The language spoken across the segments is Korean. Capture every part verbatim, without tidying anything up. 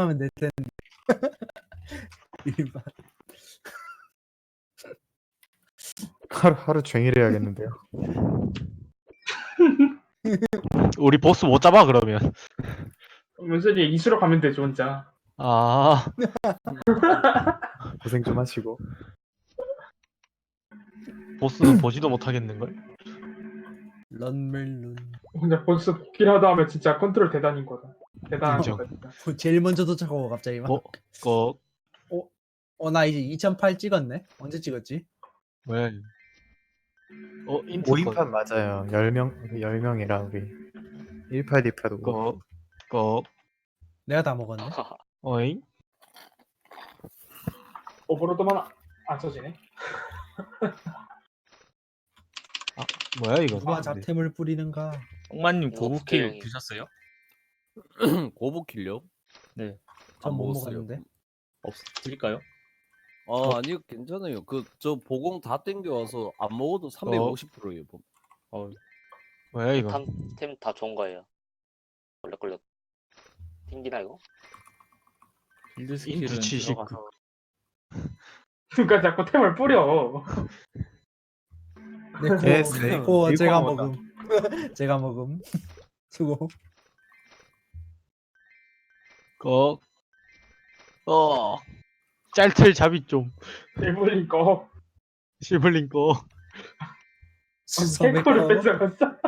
하면 될 텐데. 일반. 하루 하루 종일 해야겠는데요. 우리 보스 못 잡아 그러면. 문선이 이수로 가면 되죠 혼자. 아 고생 좀 하시고. 보스는 보지도 못하겠는걸? 런멜론. 혼자 벌써 복귀라도 하면 진짜 컨트롤 대단인 거다. 대단한 인정. 거다 진짜. 제일 먼저 도착하고 갑자기 막. 어? 거 어, 나 이제 이천팔 찍었네. 언제 찍었지? 뭐야 이거. 어 인트 오 인판 맞아요. 열 명 열 명이라 우리 일팔 디팔도 거 거 내가 다 먹었네. 어잉? 오버로드만 안 써지네. 뭐야 이거? 누가 잡템을 뿌리는가? 엉마님 이거 고부킬 국회의원이- 드셨어요? 고부킬요? 네. 전 안 못 먹었어요. 먹었는데. 없 드릴까요? 아 아니요 괜찮아요. 그 저 보공 다 땡겨 와서 안 먹어도 삼백오십 퍼센트예요. 어, 뭐야 이거? 템 다 좋은 거예요. 걸려 걸려. 튕기나 이거? 필드 스킬은 인트 칠십구. 들어가서 누가 자꾸 템을 뿌려. 네, 고, 예스, 네. 고 일곱 제가 먹었다. 먹음. 제가 먹음. 수고. 거 어. 짤틀 잡이 좀. 일본인 거. 시블링 거. 수섭의 캐코를 거. 뺏어갔어.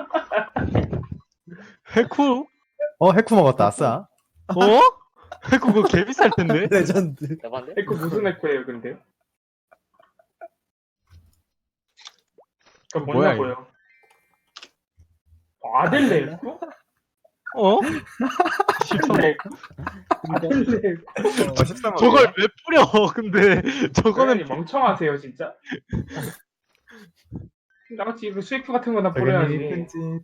해쿠? 어 해쿠 먹었다. 아싸. 어? 해쿠 그거 개 비쌀 텐데? 레전드. 대박인데? 에코 무슨 에코예요 근데? 그 뭐야, 뭐냐고요? 어, 아델레 에코? 어? 십삼 억. 아델레 에코? 어, 십삼 억. 저걸 왜 뿌려? 근데 저거는 저거는 멍청하세요 진짜. 나같이 그 스위프 같은 거나 저기는 뿌려야지. 이쁜 짓.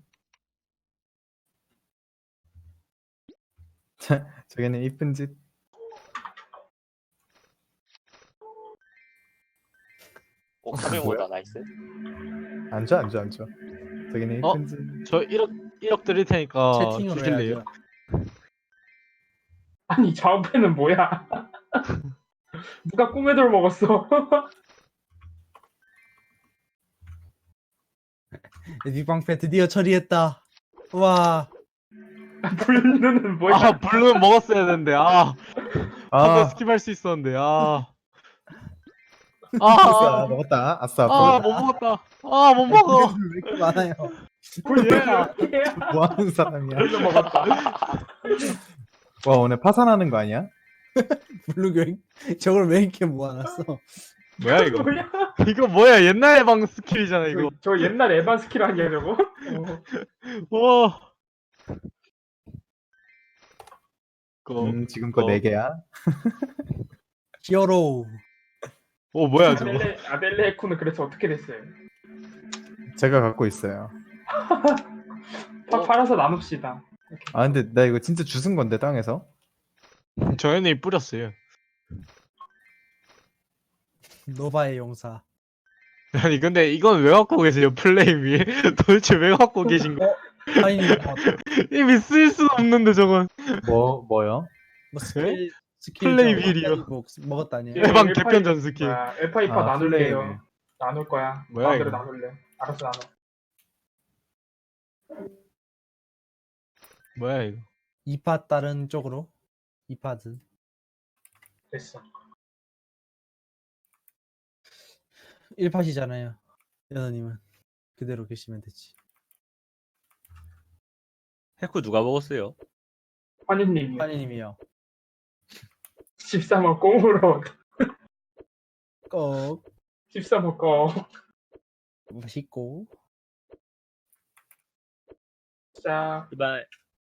자, 저기는 이쁜 짓. 오, 사백오다 나이스. 앉아 앉아 앉아. 저기는 어? 이쁜 짓. 저 일억 일억 드릴 테니까 채팅으로 주실래요? 해야죠. 아니 좌우패는 뭐야? 누가 꿈에 돌 먹었어? 빅방패 드디어 처리했다. 와. 블루는 뭐야? 아 블루는 먹었어야 되는데 아 아, 한번 스킵할 수 있었는데 아. 아싸 아, 먹었다. 아싸. 아, 못 먹었다. 아, 못 먹어. 왜 이렇게 많아요? 예. 뭐 하는 사람이야? 블루 먹었다. 와 오늘 파산하는 거 아니야? 블루교잉? 저걸 왜 이렇게 모아놨어? 뭐야 이거? 뭐야? 이거 뭐야? 옛날 해방 스킬이잖아 이거. 저, 저 옛날 에반 스킬 아니야 저거? 어. 와. 거. 음 지금껏 어. 네 개야. 히어로. 오 뭐야 저거? 아델레 아델레 에코는 그래서 어떻게 됐어요? 제가 갖고 있어요. 파, 팔아서 나눕시다. 아 근데 나 이거 진짜 주순 건데 땅에서. 저현이 뿌렸어요. 노바의 용사. 아니 근데 이건 왜 갖고 계세요 플레임 위에? 도대체 왜 갖고 계신 거? 하인이 뭐, 이미 쓸 수 없는데 저건. 뭐 뭐요? 뭐 스킬 스킬 플레이 저 윌이요. 뭐 먹었다니. 예. 해방 일파이- 개편전 스킬. 뭐야, 에파이파 아, 나눌게요. 플레이네. 나눌 거야. 뭐야, 마음대로 이거? 나눌래. 알았어 나눠. 뭐야 이거? 이파 다른 쪽으로. 이파드. 됐어. 일팟이잖아요. 연호님은 그대로 계시면 되지. 해쿠 누가 먹었어요? 환희님이요. 환희님이요. 십삼 억 꽁으로. 꼭 십삼 억 꽁. 맛있고. 자, 이발.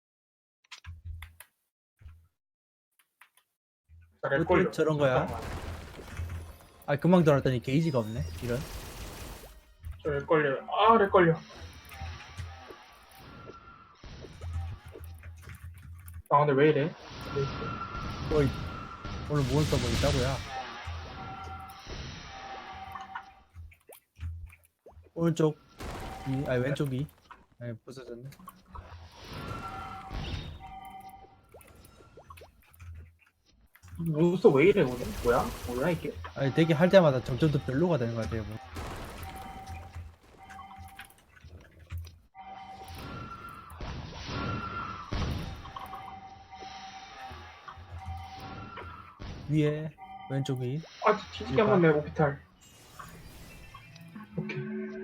잘 왜 걸려. 저런 거야? 아 금방 들어왔더니 게이지가 없네. 이런. 잘 걸려. 아, 렉 걸려. 아, 근데 왜 이래? 왜 이래? 어이, 오늘 몬스터 뭐 있다고야? 오른쪽 이, 아니 왼쪽이. 아니 부서졌네. 몬스터 왜 이래 오늘? 뭐야? 뭐야 이게? 아니 되게 할 때마다 점점 더 별로가 되는 것 같아요. 뭐. 위에 왼쪽 위. 아 뒤지게 한번 내 오피탈. 오케이.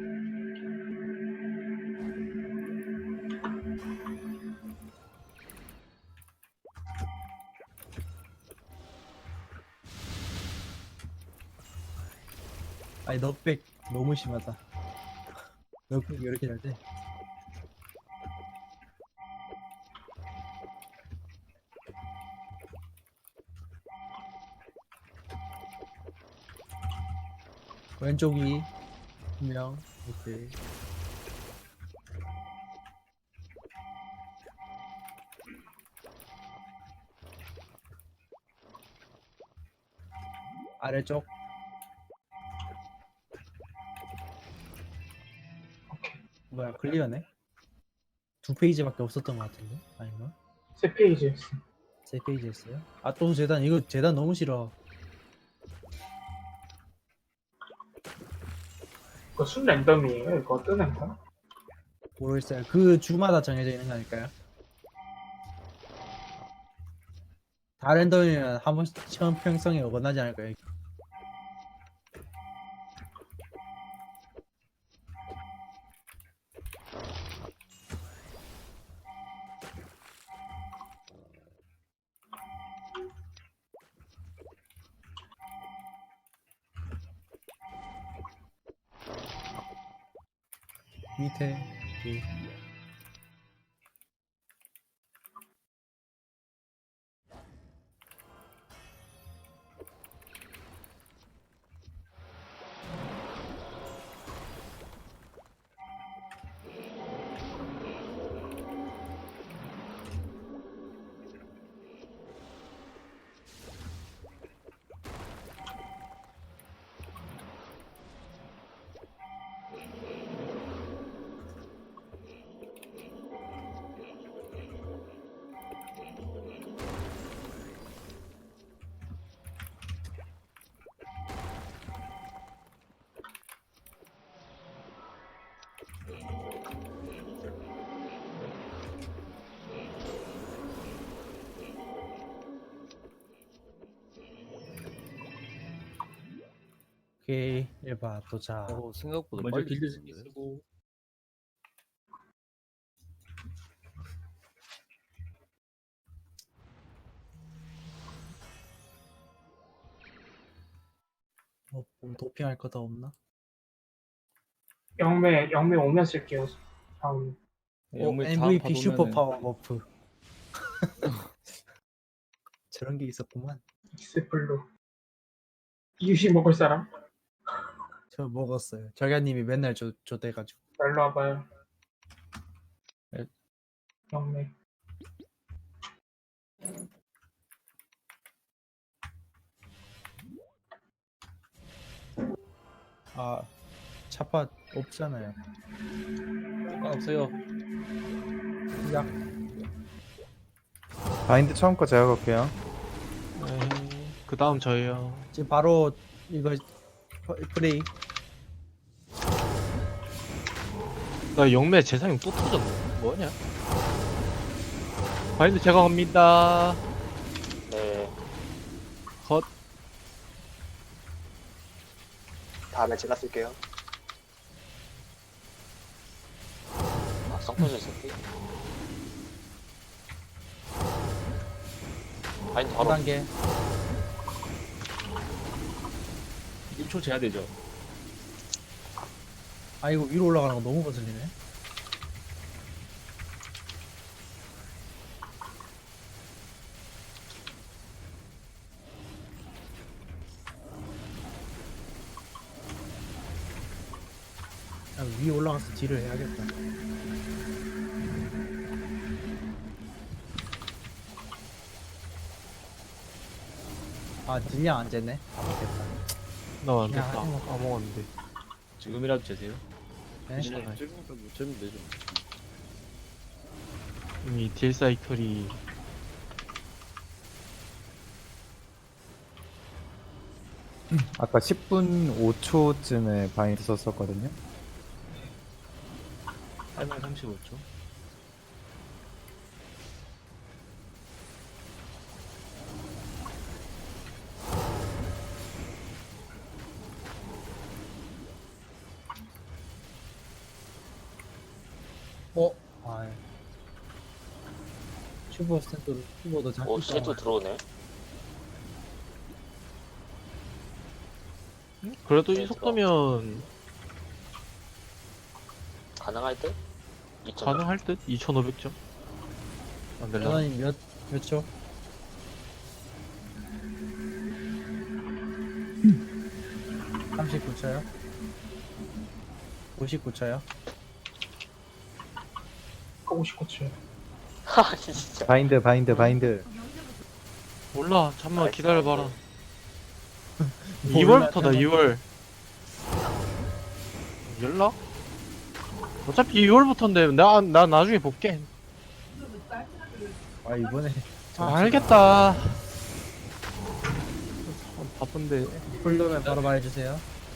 아니 넉백 너무 심하다. 넉백 왜 이렇게 잘 돼? 왼쪽이 분명 오케이. 아래쪽 뭐야 클리어네? 두 페이지밖에 없었던 것 같은데 아닌가? 세 페이지였어. 세 페이지였어요? 아 또 재단 이거 재단 너무 싫어. 이거 순 랜덤이에요? 이거 뜨는 거? 모르겠어요. 그 주마다 정해져 있는 거 아닐까요? 다른 던이면 한 번씩 형평성에 어긋나지 않을까요? 밑에 위. 오케이 일 바 도착. 어, 생각보다 먼저 빨리 빌드 됐는데. 쓰고 뭐, 뭐 도핑할 거 더 없나? 영매 영매 오면 쓸게요. 다음. 오, 영물 다음 엠브이피 슈퍼 받으면은 파워 버프. 저런 게 있었구만. 익스플로. 이유식 먹을 사람? 저 먹었어요. 절가님이 맨날 줘 줘대가지고. 날로 와봐요. 네. 영매. 아 차파 없잖아요. 상관없어요. 약 바인드 처음 거 제가 갈게요. 네. 그 다음 저예요. 지금 바로 이거 프- 프레이. 나 영매 재상용 또 터졌네. 뭐냐? 바인드 제가 갑니다. 네. 컷. 다음에 제가 쓸게요. 아, 성포즈 쓸게. 바인드 사 바로. 단계. 일 초 재야 되죠. 아 이거 위로 올라가는 거 너무 거슬리네. 아, 위에 올라가서 딜을 해야겠다. 아 딜량 안 쟀네. 아 맞겠다. 나 안 야, 됐다. 이거. 까먹었는데. 지금이라도 재세요. 네? 지금 지금부터 묻히면 되죠. 이미 딜 사이클이 아까 십 분 오 초쯤에 바인드 썼었거든요. 팔 분 삼십오 초. 어? 아 슈퍼 스탠드 슈퍼도 오, 잡힐 시계도 들어오네. 그래도 이 네, 속도면 가능할 듯? 이천. 가능할 듯? 이천오백 점? 안 될라? 전원이 몇, 몇 초? 삼십구 초요? 오십구 초요? 오십구 초. 하, 진짜. 바인드 바인드 바인드. 몰라. 잠만 나이스, 기다려봐라. 나이스. 이월부터다 이월. 연락? 어차피 이월부터인데 나, 나 나중에 볼게. 아 이번에 아, 알겠다. 참 바쁜데. 풀로면 바로 말해주세요.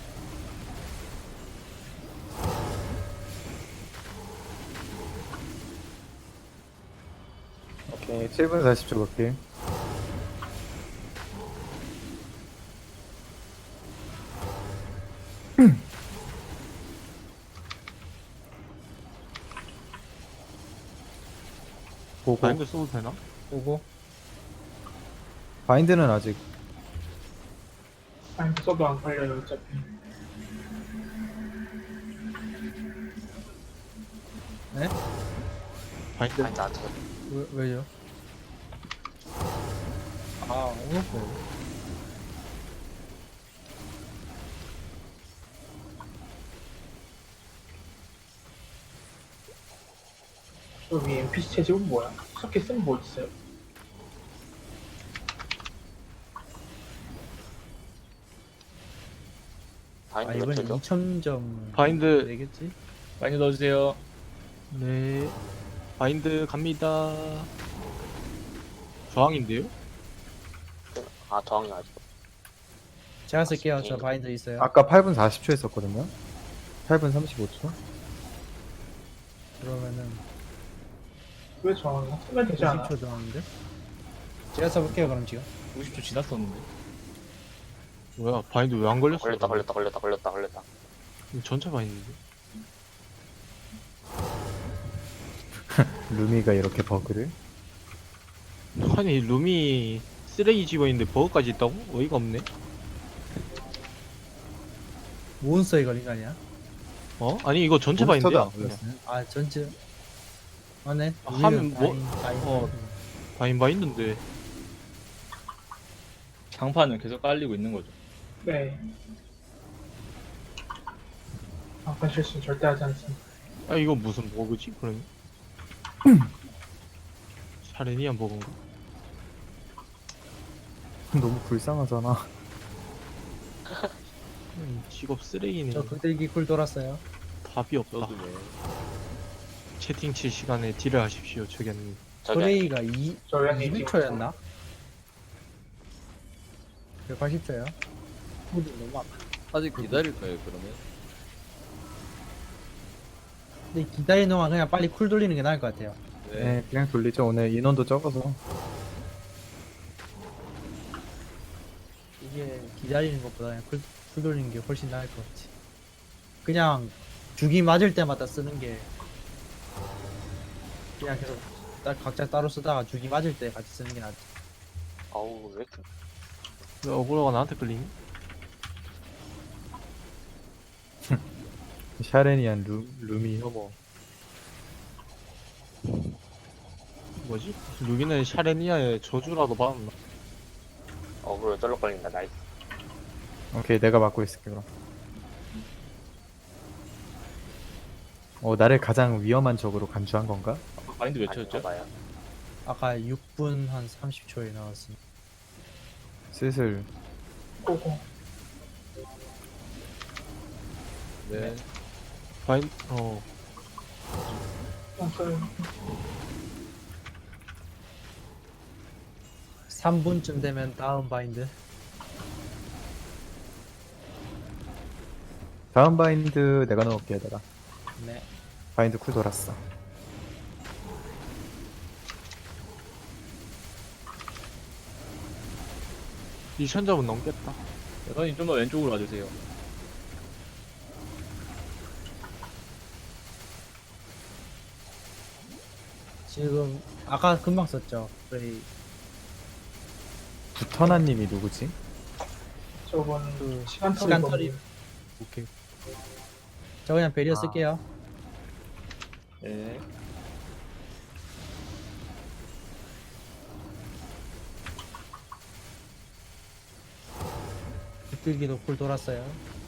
오케이 칠 분 사십 초 볼게. 보고 바인드 써도 되나? 오고 바인드는 아직 아니 써도 안 걸려요 어차피. 네? 바인드. 아니, 나한테. 왜, 왜요? 아 오고 여기 엠피씨 채집은 뭐야? 석기 쓰면 뭐 있어요? 아 바인드 몇 이번에 초죠? 이천 점 바인드. 되겠지? 많이 넣어주세요. 네. 바인드 갑니다. 저항인데요? 아, 저항이 아직. 제가 쓸게요. 저 바인드 있어요. 아까 팔 분 사십 초 했었거든요. 팔 분 삼십오 초. 그러면은 왜 저항이야? 쓰면 되지 않아? 오십 초 정도인데? 제가 써볼게요 그럼 지금. 오십 초 지났었는데. 뭐야 바인드 왜 안 걸렸어? 걸렸다, 걸렸다, 걸렸다, 걸렸다, 걸렸다. 이거 전체 바인드인데. 루미가 이렇게 버그를. 아니 룸이 쓰레기 집어있는데 버그까지 있다고? 어이가 없네. 몬스터에 걸린 거 아니야? 어? 아니 이거 전체 몬스터도 바인드야. 안 걸렸어요. 아 전체 맞네. 아, 하면 뭐- 바인, 바인. 어. 바인 바인드인데. 장판은 계속 깔리고 있는 거죠. 네. 아까 실수는 절대 하지 않습니다. 아 이거 무슨 버그지? 그러면? 샤레니안 버그인가? 너무 불쌍하잖아. 음, 직업 쓰레기네. 저 극딜기 쿨 돌았어요. 답이 없다. 채팅 칠 시간에 딜을 하십시오. 저기는 저기, 프레이가 이 저희한테 이백 초였나? 백팔십 초요? 너무 아파. 아직 기다릴까요 그러면? 근데 기다리는 동안 그냥 빨리 쿨 돌리는 게 나을 것 같아요. 네, 그냥 돌리죠. 오늘 인원도 적어서. 이게 기다리는 것보다 그냥 쿨, 쿨 돌리는 게 훨씬 나을 것 같지. 그냥 주기 맞을 때마다 쓰는 게 그냥 계속 따- 각자 따로 쓰다가 주기 맞을 때 같이 쓰는 게 낫지. 아우, 왜 이렇게. 왜 어그로가 나한테 끌리니? 샤레니안 루, 루미 혐오. 뭐지? 루기는 샤레니아의 저주라도 받았나? 어그로 쩔럭 걸린다, 나이스. 오케이 내가 맡고 있을게 그럼. 어 나를 가장 위험한 적으로 간주한 건가? 바인드 몇 아닌가 초였죠? 봐요. 아까 육 분 한 삼십 초에 나왔으니 슬슬 고고. 네. 바인 어 없어요. 삼 분쯤 되면 다음 바인드. 다음 바인드 내가 넣을게 내가. 네. 바인드 쿨 돌았어. 이천 점은 넘겠다. 여사님 좀 더 왼쪽으로 와주세요. 지금 아까 금방 썼죠. 저희 부터나님이 누구지? 저건 그 시간 털이 시간 너무- 털이 오케이. 저 그냥 베리어 아. 쓸게요. 네. 비틀기도 쿨 돌았어요.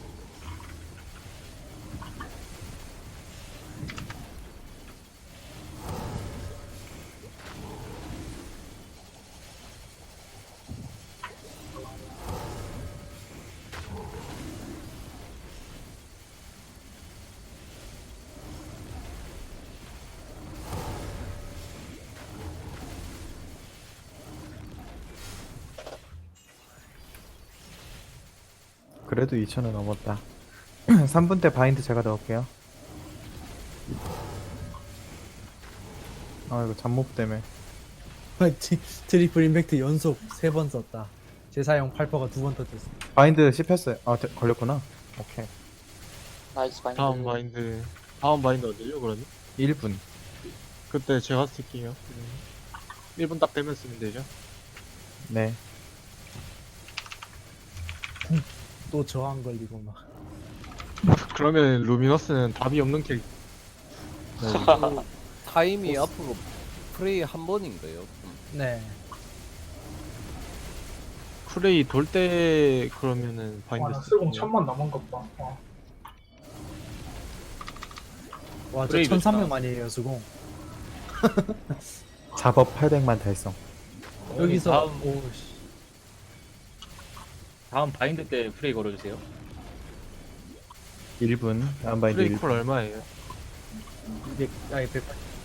그래도 이천은 넘었다. 삼 분 때 바인드 제가 넣을게요. 아 이거 잠못 때문에. 티- 트리플 임팩트 연속 세 번 썼다. 재사용 팔 퍼가 두 번 터졌어. 바인드 씹혔어요. 아 되- 걸렸구나. 오케이. 나이스 바인드. 다음 바인드. 다음 바인드 어디요, 그러면? 일 분. 그때 제가 쓸게요. 일 분 딱 되면 쓰면 되죠. 네. 또 저항 걸리고 막. 그러면 루미너스는 답이 없는 캐릭터. 그 타임이 앞으로 프레이 한 번인가요? 음. 네. 프레이 돌 때 그러면은 와, 바인드 나 쓰공 쓸게요. 천만 넘은 것 봐. 어. 와, 저 브레이브 천삼백만이에요, 수공. 작업 팔백만 달성. 여기서 다음 오 씨. 다음 바인드 때 프레이 걸어주세요. 일 분. 다음 바인드 프레이 일 쿨 분. 얼마예요? 이백, 아니 백.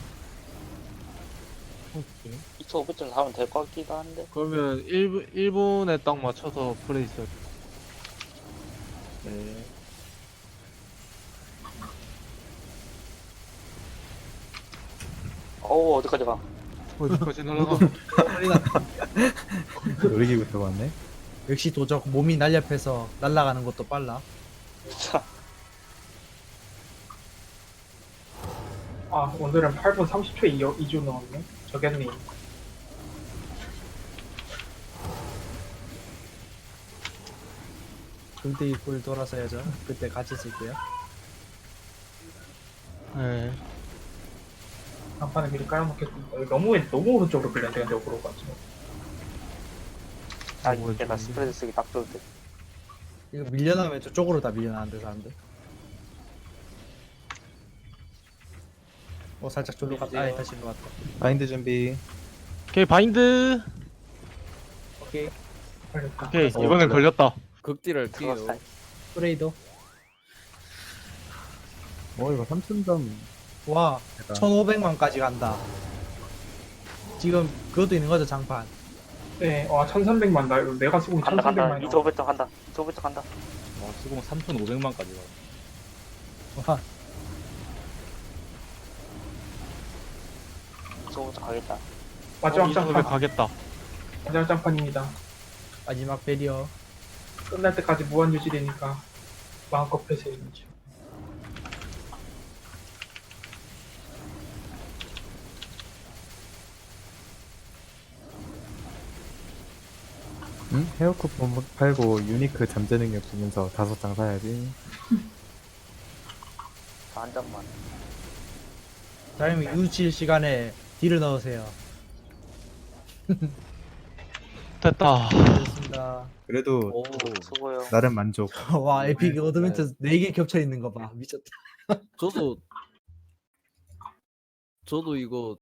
오케이. 이천오백 점 하면 될 것 같기도 한데. 그러면 일 분, 일 분에 딱 맞춰서 프레이 써. 네. 어우, 어디까지 가? 어디까지 날아가? 놀이기구 들고 왔네. 역시 도적 몸이 날렵해서 날아가는 것도 빨라. 아, 오늘은 팔 분 삼십 초에 이 주 넣었네. 저겠니? 금대기 꿀 돌아서야죠. 그때 같이 쓸게요. 네. 간판에 미리 깔아놓겠습니다. 여기 너무, 너무 오른쪽으로 끌렸는데, 근데 오그로 가지고. 아, 뭐, 이게 나 스프레드 쓰기 딱 좋을 때. 이거 밀려나면 저쪽으로 다 밀려나는데 사람들. 어 살짝 졸로 갔다. 아 다시 일로 왔다. 바인드 준비. 오케이, 바인드! 오케이. 걸렸다. 오케이, 어, 이번엔 그래. 걸렸다. 극딜할 게요. 그거 프레이도. 어 이거 삼천 점. 와 제가 천오백만까지 간다. 지금 그것도 있는 거죠 장판. 네, 와, 천삼백만. 나, 이거 내가 쓰고 간다, 간다. 천삼백만. 이천오백 점 간다. 이천오백 점 간다. 와, 수공 삼천오백만까지 가. 와 이천오백 점 가겠다. 마지막 이천오백 장판. 가겠다. 마지막 장판입니다. 마지막 베리어. 끝날 때까지 무한 유지되니까 마음껏 폐쇄해야죠. 응? 헤어 쿠폰 팔고 유니크 잠재 능력 주면서 다섯 장 사야지. 한 장만. 다음에 유칠 시간에 딜을 넣으세요. 됐다. 됐습니다. 그래도 오, 수고요. 나름 만족. 와 에픽 어드벤처 네 개 겹쳐 있는 거 봐. 미쳤다. 저도 저도 이거